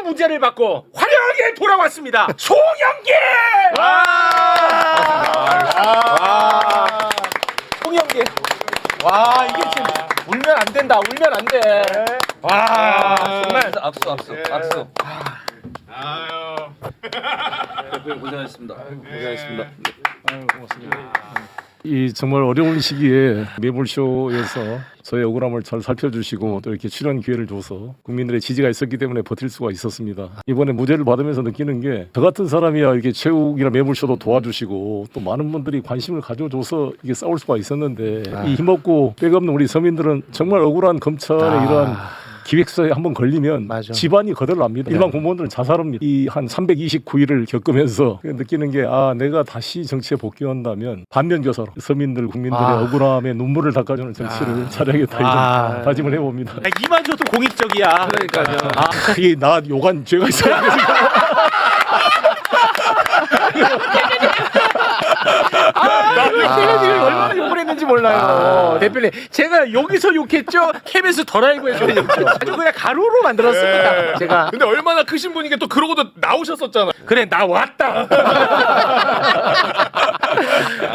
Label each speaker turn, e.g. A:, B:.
A: 무죄를 받고 화려하게 돌아왔습니다. 송영길! 송영길. 와 이게 지금 울면 안 된다. 울면 안 돼. 와 정말
B: 악수.
A: 고생하셨습니다. 고생하셨습니다.
C: 고맙습니다. 이 정말 어려운 시기에 매불쇼에서 저의 억울함을 잘 살펴주시고 또 이렇게 출연 기회를 줘서 국민들의 지지가 있었기 때문에 버틸 수가 있었습니다. 이번에 무죄를 받으면서 느끼는 게 저 같은 사람이야 이렇게 최욱이나 매불쇼도 도와주시고 또 많은 분들이 관심을 가져줘서 이게 싸울 수가 있었는데 이 힘없고 백없는 우리 서민들은 정말 억울한 검찰의 이러한 기획서에 한번 걸리면 집안이 거덜납니다. 일반 공무원들은 자살합니다. 이 한 329일을 겪으면서 느끼는 게 내가 다시 정치에 복귀한다면 반면교사로 서민들 국민들의 억울함에 눈물을 닦아주는 정치를 잘하겠다 이런 다짐을 해봅니다.
A: 이마저도 공익적이야.
B: 그러니까요.
C: 이게 나 요간 죄가 있어야
A: 대표님이 얼마나 욕을 했는지 몰라요. 대표님 제가 여기서 욕했죠. KBS 더 라이브에서 욕했죠. 아주 그냥 가루로 만들었습니다. 제가.
D: 근데 얼마나 크신 분이게 또 그러고도 나오셨었잖아.
A: 그래 나 왔다.